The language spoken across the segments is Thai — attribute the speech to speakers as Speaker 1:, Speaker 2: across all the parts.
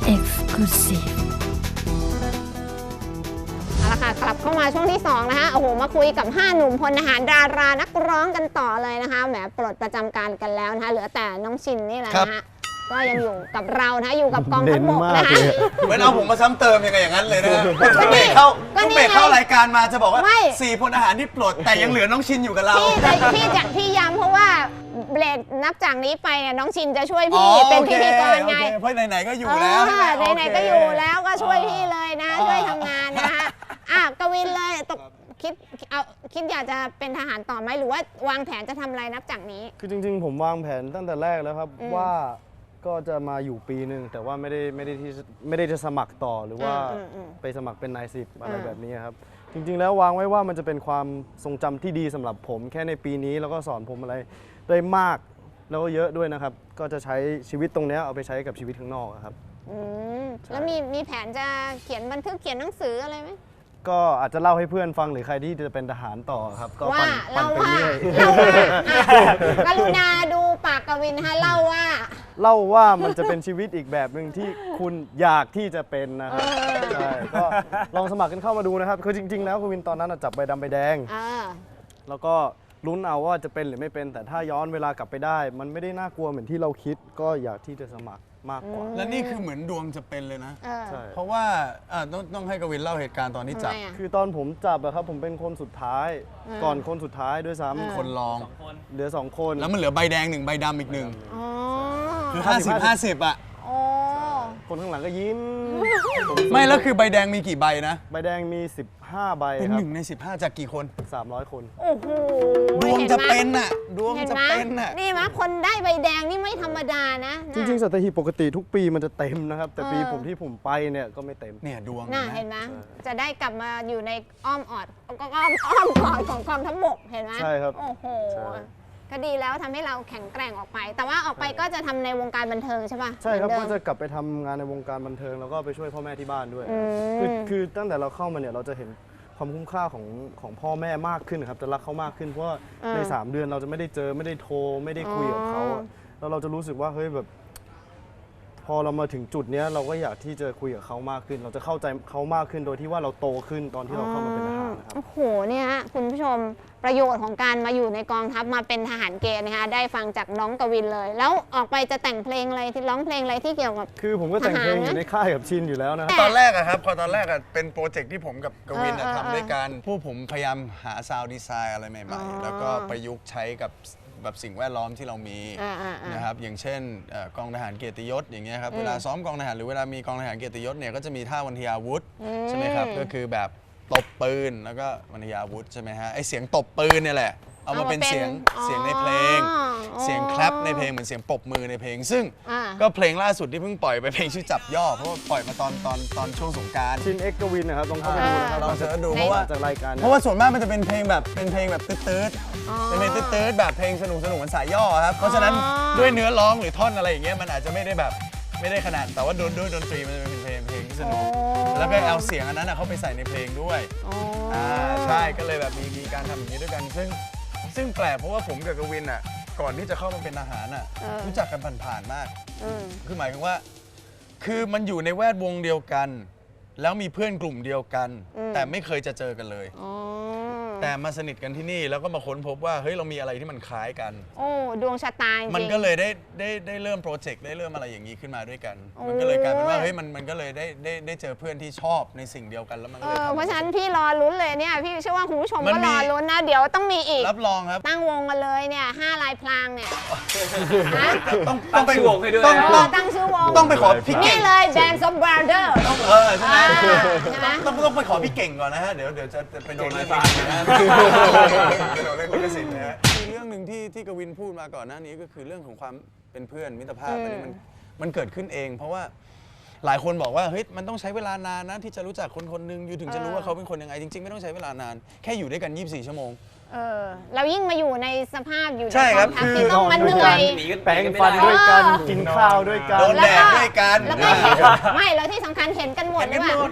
Speaker 1: Exclusive
Speaker 2: เอาละค่ะกลับเข้ามาช่วงที่2นะคะโอ้โหมาคุยกับ5หนุ่มพลทหารดารานักร้องกันต่อเลยนะคะแหมปลดประจำการกันแล้วนะคะเหลือแต่น้องชินนี่แหละนะคะก็ยังอยู่กับเรานะคะอยู่กับกองทัพบกนะคะ
Speaker 3: เหมือนเอาผมมาซ้ำเติมยังไงอย่างนั้นเลยนะต้องเบรกเข้ารายการมาจะบอกว่า4พลทหารที่ปลดแต่ยังเหลือน้องชินอยู่กับเรา
Speaker 2: พี่ย้ำเพราะว่าเบรกนับจากนี้ไปเนี่ยน้องชินจะช่วยพี่เป็นพิธีกรไง
Speaker 3: เพราะไหนๆก็อยู่แล้ว
Speaker 2: ไหนๆก็อยู่แล้วก็ช่วยพี่เลยนะช่วยทำงานนะคะกวินเลยตกคิดอยากจะเป็นทหารต่อไหมหรือว่าวางแผนจะทำอะไรนับจากนี้
Speaker 4: คือจริงๆผมวางแผนตั้งแต่แรกแล้วครับว่าก็จะมาอยู่ปีหนึ่งแต่ว่าไม่ได้จะสมัครต่อหรือว่าไปสมัครเป็นนายสิบอะไรแบบนี้ครับจริงๆแล้ววางไว้ว่ามันจะเป็นความทรงจำที่ดีสำหรับผมแค่ในปีนี้แล้วก็สอนผมอะไรได้มากแล้วก็เยอะด้วยนะครับก็จะใช้ชีวิตตรงนี้เอาไปใช้กับชีวิตข้างนอกครับ
Speaker 2: แล้วมีแผนจะเขียนบันทึกเขียนหนังสืออะไรไหม
Speaker 4: ก็อาจจะเล่าให้เพื่อนฟังหรือใครที่จะเป็นทหารต่อครับก็ปั่นไปเรื่อย
Speaker 2: กรุณาดูปากกวินฮะเล่า
Speaker 4: ว่ามันจะเป็นชีวิตอีกแบบหนึ่งที่คุณอยากที่จะเป็นนะครับใช่ก็ลองสมัครกันเข้ามาดูนะครับคือจริงๆแล้วกวินตอนนั้นจับใบดำใบแดงแล้วก็ลุ้นเอาว่าจะเป็นหรือไม่เป็นแต่ถ้าย้อนเวลากลับไปได้มันไม่ได้น่ากลัวเหมือนที่เราคิดก็อยากที่จะสมัครมากกว่า
Speaker 3: และนี่คือเหมือนดวงจะเป็นเลยนะเพราะว่าต้องให้กวินเล่าเหตุการณ์ตอนที่จับ
Speaker 4: คือตอนผมจับอะครับผมเป็นคนสุดท้ายก่อนคนสุดท้ายด้วยซ้ำ
Speaker 3: คนรอง
Speaker 4: เหลือ2คน
Speaker 3: แล้วมันเหลือใบแดง1ใบดำอีก1คือ50-50อะ
Speaker 4: คนข้างหลังก็ยิ้ม
Speaker 3: ไม่แล้วคือใบแดงมีกี่ใบนะ
Speaker 4: ใบแดงมี15ใบ
Speaker 3: เป็น
Speaker 4: 1
Speaker 3: ใน15จากกี่คน
Speaker 4: 300คน
Speaker 2: โอ้โห
Speaker 3: ดวงจะเป็นอะดวงจะเป็นอะ
Speaker 2: นี่มั้ยคนได้ใบแดงนี่ไม่ธรรมดานะ
Speaker 4: จริงๆสัตหีบปกติทุกปีมันจะเต็มนะครับแต่ปีผมไปเนี่ยก็ไม่เต็ม
Speaker 3: เนี่ยดวง
Speaker 2: น่ะเห็นไหมจะได้กลับมาอยู่ในอ้อมกอดของกองทัพบกเห็นไหม
Speaker 4: ใช่ครับ
Speaker 2: โอ้โหก็ดีแล้วทำให้เราแข็งแกร่งออกไปแต่ว่าออกไปก็จะทำในวงการบันเทิงใช่ป่ะ
Speaker 4: ใช่ครับก็จะกลับไปทำงานในวงการบันเทิงแล้วก็ไปช่วยพ่อแม่ที่บ้านด้วยคือตั้งแต่เราเข้ามาเนี่ยเราจะเห็นความคุ้มค่าของพ่อแม่มากขึ้นครับจะรักเขามากขึ้นเพราะว่าใน3เดือนเราจะไม่ได้เจอไม่ได้โทรไม่ได้คุยกับเขาแล้วเราจะรู้สึกว่าเฮ้ยแบบพอเรามาถึงจุดนี้เราก็อยากที่จะคุยกับเขามากขึ้นเราจะเข้าใจเขามากขึ้นโดยที่ว่าเราโตขึ้นตอนที่เราเข้ามาเป็นทหารนะครับ
Speaker 2: โอ้โหเนี่ยคุณผู้ชมประโยชน์ของการมาอยู่ในกองทัพมาเป็นทหารเกณฑ์นะคะได้ฟังจากน้องกวินเลยแล้วออกไปจะแต่งเพลงอะไรที่ร้องเพลงอะไรที่เกี่ยวกับ
Speaker 4: คือผมก็แต่งเพลงอยู่ในค่ายกับชินอยู่แล้วนะ
Speaker 3: ตอนแรกอะครับพอตอนแรกเป็นโปรเจกต์ที่ผมกับกวินทำด้วยกันพวกผมพยายามหาซาวด์ดีไซน์อะไรใหม่ๆแล้วก็ประยุกต์ใช้กับแบบสิ่งแวดล้อมที่เรามีนะครับอย่างเช่นกองทหารเกียรติยศอย่างเงี้ยครับเวลาซ้อมกองทหารหรือเวลามีกองทหารเกียรติยศเนี่ยก็จะมีท่าวันทยาวุธใช่ไหมครับก็คือแบบตบปืนแล้วก็วันทยาวุธใช่ไหมฮะไอเสียงตบปืนเนี่ยแหละเอามาเป็นเสียงในเพลงเสียงแคลปในเพลงเหมือนเสียงปรบมือในเพลงซึ่งก็เพลงล่าสุดที่เพิ่งปล่อยไปเพลงชื่อจับย่อเพราะว่าปล่อยมาตอนช่วงสงกรานต์
Speaker 4: ชินเอ็กกวินนะครับลองเข้าไปดูนะครับ
Speaker 3: ลองเสิร์ชดูเพราะว่า
Speaker 4: จากรายการ
Speaker 3: เพราะว่าส่วนมากมันจะเป็นเพลงแบบตืดเป็นเพลงตืดแบบเพลงสนุกเหมือนสายย่อครับเพราะฉะนั้นด้วยเนื้อร้องหรือท่อนอะไรอย่างเงี้ยมันอาจจะไม่ได้ขนาดแต่ว่าด้วยดนตรีมันจะเป็นเพลงที่สนุกแล้วก็เอาเสียงอันนั้นเข้าไปใส่ในเพลงด้วยใช่ก็เลยแบบมีการทำอย่างนี้ด้วยกันซึ่งแปลกเพราะว่าผมกับกวินก่อนที่จะเข้ามาเป็นทหารรู้จักกันผ่านๆมากคือหมายถึงว่าคือมันอยู่ในแวดวงเดียวกันแล้วมีเพื่อนกลุ่มเดียวกันแต่ไม่เคยจะเจอกันเลยแต่มาสนิทกันที่นี่แล้วก็มาค้นพบว่าเฮ้ยเรามีอะไรที่มันคล้ายกัน
Speaker 2: โอ้ดวงชะตาจริง
Speaker 3: มันก็เลยได้เริ่มโปรเจกต์ได้เริ่มอะไรอย่างนี้ขึ้นมาด้วยกันมันก็เลยกลายเป็นว่าเฮ้ยมันก็เลยได้เจอเพื่อนที่ชอบในสิ่งเดียวกันแล้วมันก็เลย
Speaker 2: เพราะฉะนั้นพี่รอลุ้นเลยเนี่ยพี่เชื่อว่าคุณผู้ชมก็รอลุ้นนะเดี๋ยวต้องมีอีก
Speaker 3: รับรองครับ
Speaker 2: ตั้งวงกันเลยเนี่ย5ลายพลางเนี่ย
Speaker 3: ต้องไปวงให้ด้วย
Speaker 2: ตั้งชื่อวง
Speaker 3: ต้องไปขอพี่เก่ง
Speaker 2: นี่เลย Band of Brothers
Speaker 3: ใช่ไหมต้องไปขอพี่เก่งก่อนนะฮะเดี๋ยวจะไปโดนอะไรบ้างนะเราเล่นลิขสิทธิ์นะฮะมีเรื่องหนึ่งที่กวินพูดมาก่อนหน้านี้ก็คือเรื่องของความเป็นเพื่อนมิตรภาพอันนี้มันเกิดขึ้นเองเพราะว่าหลายคนบอกว่าเฮ้ยมันต้องใช้เวลานานนะที่จะรู้จักคนหนึ่งอยู่ถึงจะรู้ว่าเขาเป็นคนยังไงจริงๆไม่ต้องใช้เวลานานแค่อยู่ด้วยกัน24 ชั่วโมง
Speaker 2: เรายิ่งมาอยู่ในสภาพอยู่ใน
Speaker 3: กอง
Speaker 2: ทัพที่ต้องมันเหนื่อย
Speaker 4: แปรงฟันด้วยกันกินข้าวด้วยกัน
Speaker 3: โดนแดดด้วยกัน
Speaker 2: แล้วก็ไม่แล้วที่สำคัญเห็นกันหมดเลยว่า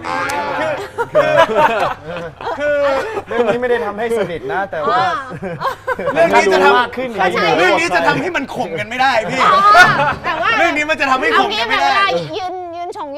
Speaker 4: คือเรื่องนี้ไม่ได้ทำให้สนิทนะแต่ว่า
Speaker 3: เรื่องนี้จะทำขึ้นเรื่องนี้จะทำให้มันข่มกันไม่ได้พี่
Speaker 2: แต่ว่า
Speaker 3: เรื่องนี้มันจะทำให้ข่มกันไม่ได้
Speaker 2: ยืน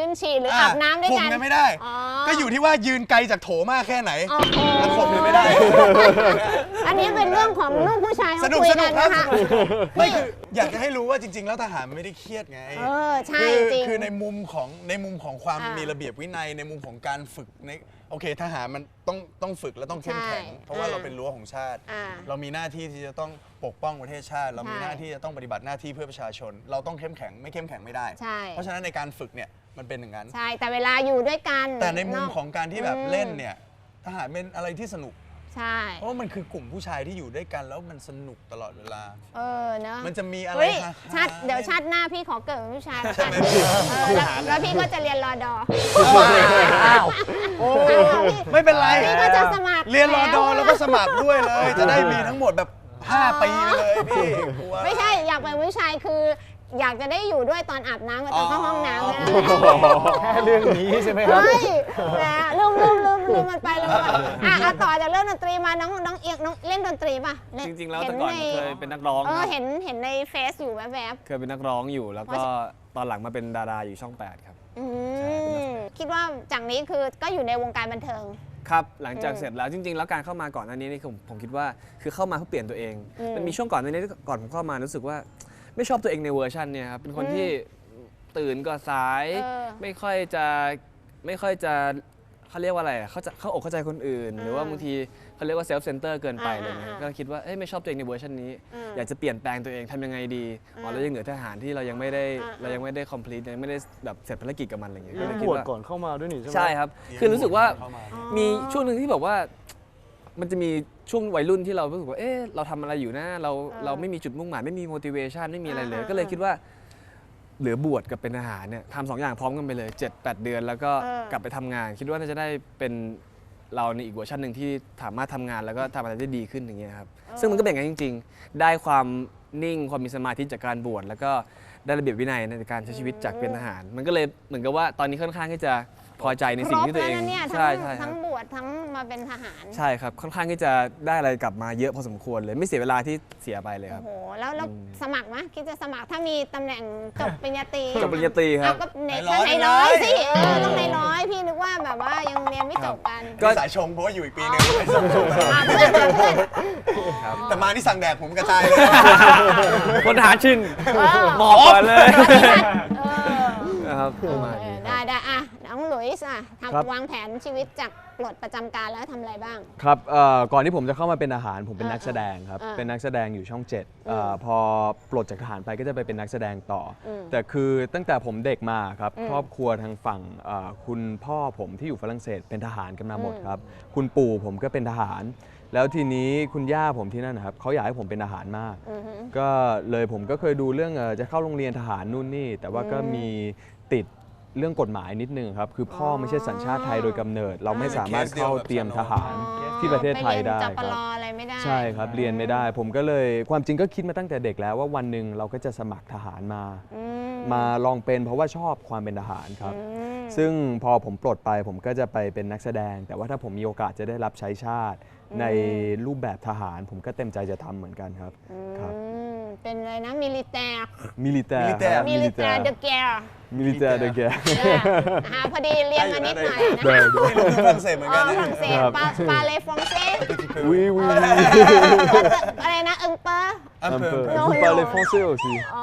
Speaker 2: นฉี่หรืออาบน้ำด้วยกัน
Speaker 3: ข่มกันไม่ได้
Speaker 2: อ๋อ
Speaker 3: ก็อยู่ที่ว่ายืนไกลจากโถมากแค่ไหน
Speaker 2: โอ้โห
Speaker 3: มันข่มกันไม่ได้
Speaker 2: อันนี้เป็นเรื่องของลูกผู้ชาย
Speaker 3: ส
Speaker 2: เขา
Speaker 3: นุก
Speaker 2: คุย
Speaker 3: สนุ
Speaker 2: กั
Speaker 3: ก
Speaker 2: น
Speaker 3: ครับ
Speaker 2: นะคะ
Speaker 3: ไม่คืออยากจะให้รู้ว่าจริง ๆ แล้วทหารมันไม่ได้เครียดไง
Speaker 2: ใช่จริง
Speaker 3: คือในมุมของความมีระเบียบวินัยในมุมของการฝึกในโอเคทหารมันต้องฝึกและต้องเข้มแข็ง
Speaker 2: ใช่
Speaker 3: เพราะว่าเราเป็นรั้วของชาติ
Speaker 2: อ่า
Speaker 3: เรามีหน้าที่ที่จะต้องปกป้องประเทศชาติ เรามีหน้าที่จะต้องปฏิบัติหน้าที่เพื่อประชาชน เราต้องเข้มแข็งไม่เข้มแข็งไม่ได้
Speaker 2: ใช่
Speaker 3: เพราะฉะนั้นในการฝึกเนี่ยมันเป็นอย่างนั้น
Speaker 2: ใช่แต่เวลาอยู่ด้วยกัน
Speaker 3: แต่ในมุมของการที่แบบ
Speaker 2: อืม
Speaker 3: เล่นเนี่ยทหารเป็นอะไรที่สนุก
Speaker 2: ใช่
Speaker 3: เพราะว่ามันคือกลุ่มผู้ชายที่อยู่ด้วยกันแล้วมันสนุกตลอดเวลา
Speaker 2: เนอะ
Speaker 3: มันจะมีอะไร
Speaker 2: เฮ้ย
Speaker 3: ฮะ
Speaker 2: เดี๋ยวชาติหน้าพี่ขอเกิดเป็นผู้ชายแล้ว
Speaker 3: ใช่
Speaker 2: กัน
Speaker 3: ไหมพี่
Speaker 2: แล้วพี่ก็จะเรียนรอดอ
Speaker 3: อ้าวโอ้ไม่เป็นไร
Speaker 2: พี่ก็จะสมัคร
Speaker 3: เรียนรอดอ
Speaker 2: แล้ว
Speaker 3: แล้วก็สมัครด้วยเลย จะได้มีทั้งหมดแบบ5 ปีไปเลยพี่กลัว
Speaker 2: ไม่ใช่อยากเป็นผู้ชายคือ อยากจะได้อยู่ด้วยตอนอาบน้ำกับตอนเข้าห้องน้ำเนี่ย
Speaker 4: แค่เรื่องนี้ใช่ไหมครับ
Speaker 2: เฮ้ยแหมลืมมันไปเลยอ่ะต่อจากเรื่องดนตรีมาน้องเอียงน้องเล่นดนตรีป่ะ
Speaker 1: จริงๆแล้วแต่ก่อนเคยเป็นนักร้องครับ
Speaker 2: เห็นในเฟซอยู่แวบ
Speaker 1: เคยเป็นนักร้องอยู่แล้วก็ตอนหลังมาเป็นดาราอยู่ช่อง 8 ครับ
Speaker 2: ๆคิดว่าจากนี้คือก็อยู่ในวงการบันเทิง
Speaker 1: ครับหลังจากเสร็จแล้วจริงๆแล้วการเข้ามาก่อนหน้านี้นี่ผมคิดว่าคือเข้ามาเพื่อเปลี่ยนตัวเอง มันมีช่วงก่อนหน้านี้ก่อนผมเข้ามารู้สึกว่าไม่ชอบตัวเองในเวอร์ชันเนี่ยครับเป็นคนที่ตื่นก็สาย ไม่ค่อยจะเขาเรียกว่าอะไรเขาอกเข้าใจคนอื่น หรือว่าบางทีเขาเรียกว่าเซลฟ์เซนเตอร์เกินไปอะไรเงี้ยก็คิดว่าไม่ชอบตัวเองในเวอร์ชันนี้ อยากจะเปลี่ยนแปลงตัวเองทำยังไงดีเรายังเหลือทหารที่เรายังไม่ได้ complete ยังไม่ได้แบบเสร็จภารกิจกับมันอะไรเงี้ยก็เลยคิ
Speaker 4: บ
Speaker 1: ด
Speaker 4: วช
Speaker 1: ว่า
Speaker 4: ก่อนเข้ามาด้วยนี่ใช่ไหม
Speaker 1: ใช่ครับ คือรู้สึกว่า
Speaker 3: เข้ามา
Speaker 1: มีช่วงหนึ่งที่แบบว่ามันจะมีช่วงวัยรุ่นที่เรารู้สึกว่าเราทำอะไรอยู่นะเราไม่มีจุดมุ่งหมายไม่มี motivation ไม่มีอะไรเลย ก็เลยคิดว่าเหลือบวชกับเป็นทหารเนี่ยทำ2 อย่างพร้อมกันไปเลย 7-8 เดือน แล้วก็กลับไปทำงาน คิดว่าน่าจะได้เป็นเราในอีกเวอร์ชันหนึ่งที่สามารถทำงานแล้วก็ทำอะไรได้ดีขึ้นอย่างเงี้ยครับซึ่งมันก็เป็นอย่างนั้นจริง ๆ ได้ความนิ่งความมีสมาธิจากการบวชแล้วก็ได้ระเบียบวินัยในการใช้ชีวิตจากเป็นทหาร มันก็เลยเหมือนกับว่าตอนนี้ค่อนข้างที่จะพอใจในสิ่งที่ตัวเอง
Speaker 2: ครบแล้วนะเนี่ย
Speaker 1: ใช่ค
Speaker 2: ทั้
Speaker 1: รั
Speaker 2: ง
Speaker 1: บ
Speaker 2: บวชทั้งมาเป็นทหาร
Speaker 1: ใช่ครับ ค่อนข้างที่จะได้อะไรกลับมาเยอะพอสมควรเลย ไม่เสียเวลาที่เสียไปเลยค
Speaker 2: โอ้
Speaker 1: รับ
Speaker 2: โหแล้วสมัครไหมคิดจะสมัครถ้ามีตำแหน่งจบปริญญาตรี
Speaker 1: จบปริญญาตรีครับ
Speaker 2: ก็ในร้อยสิต้องในร้อยพี่นึกว่าแบบว่ายังเรียนไม่จบกัน
Speaker 1: ก็
Speaker 3: สายชงเพราะว่าอยู่อีกปีนึงไม่สมชงตลอด
Speaker 2: เพื่อน
Speaker 3: แต่มาที่สั่งแดกผมกระจายเลย
Speaker 1: พลทหารชินหมอบก่อนเลย นะครับประมาณนี้
Speaker 2: ได้อ่ะน้องหลุยส์อ่ะ
Speaker 4: ครับ
Speaker 2: วางแผนชีวิตจากปลดประจำการแล้วทำอะไรบ้าง
Speaker 4: ครับก่อนที่ผมจะเข้ามาเป็นทหารผมเป็นนักแสดงครับ
Speaker 2: เป็นนักแสดงอยู่ช่อง
Speaker 4: 7พอปลดจากทหารไปก็จะไปเป็นนักแสดงต่ออแต่คือตั้งแต่ผมเด็กมาครับครอบครัวทางฝั่งคุณพ่อผมที่อยู่ฝรั่งเศสเป็นทหารกันมาหมดครับคุณปู่ผมก็เป็นทหาร แล้วทีนี้คุณย่าผมที่นั่นนะครับเขาอยากให้ผมเป็นทหารมาก ก็เลยผมก็เคยดูเรื่องจะเข้าโรงเรียนทหารนู่นนี่แต่ว่าก็มีติดเรื่องกฎหมายนิดนึงครับคือพ่อไม่ใช่สัญชาติไทยโดยกำเนิด เราไม่สามารถเข้าเตรียมทหารที่ประเทศไทยได้
Speaker 2: ป
Speaker 4: ค
Speaker 2: ร
Speaker 4: รับ
Speaker 2: อะไรไม่ได้
Speaker 4: ใช่ครับเรียนไม่ได้ ผมก็เลยความจริงก็คิดมาตั้งแต่เด็กแล้วว่าวันหนึ่งเราก็จะสมัครทหารมาลองเป็นเพราะว่าชอบความเป็นทหารครับ ซึ่งพอผมปลดไปผมก็จะไปเป็นนักแสดง แต่ว่าถ้าผมมีโอกาสจะได้รับใช้ชาติในรูปแบบทหาร ผมก็เต็มใจจะทำเหมือนกันครับครับ
Speaker 2: เป็นอะไรนะมิลิแตร์
Speaker 4: มิลิเตอร์
Speaker 2: มิลิแตร์เดอะแกร์
Speaker 4: มิลิเตอร์เดอะแก
Speaker 2: พอดีเรียนมานิดหน่อยนะ
Speaker 3: ไม่รู้คือฝรั่งเศสเหมือนกัน
Speaker 2: ฝ
Speaker 3: นะ
Speaker 2: รั่งเศสปาเลฟรองเซ่
Speaker 4: Oui, oui, oui.
Speaker 2: อะไรนะเอิงเปอร์
Speaker 3: Un
Speaker 4: Un
Speaker 3: peu.
Speaker 4: peu.
Speaker 2: Non,
Speaker 4: Vous
Speaker 2: non.
Speaker 4: parlez français aussi.
Speaker 2: อ๋อ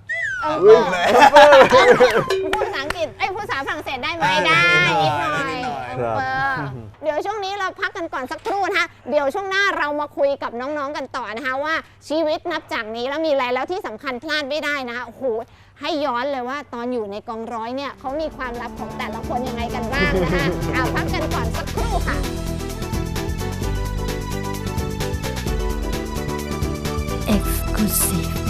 Speaker 3: Oui.
Speaker 2: พูดภาษาอังกฤษพูดภาษาฝรั่งเศสได้ไหมได้นิดหน่อย
Speaker 4: ครับ
Speaker 2: เดี๋ยวช่วงนี้เราพักกันก่อนสักครู่นะคะเดี๋ยวช่วงหน้าเรามาคุยกับน้องๆกันต่อนะคะว่าชีวิตนับจากนี้แล้วมีอะไรแล้วที่สำคัญพลาดไม่ได้นะคะโอ้โหให้ย้อนเลยว่าตอนอยู่ในกองร้อยเนี่ยเขามีความลับของแต่ละคนยังไงกันบ้างนะคะเอาพักกันก่อนสักครู่ค่ะ
Speaker 5: Exclusive.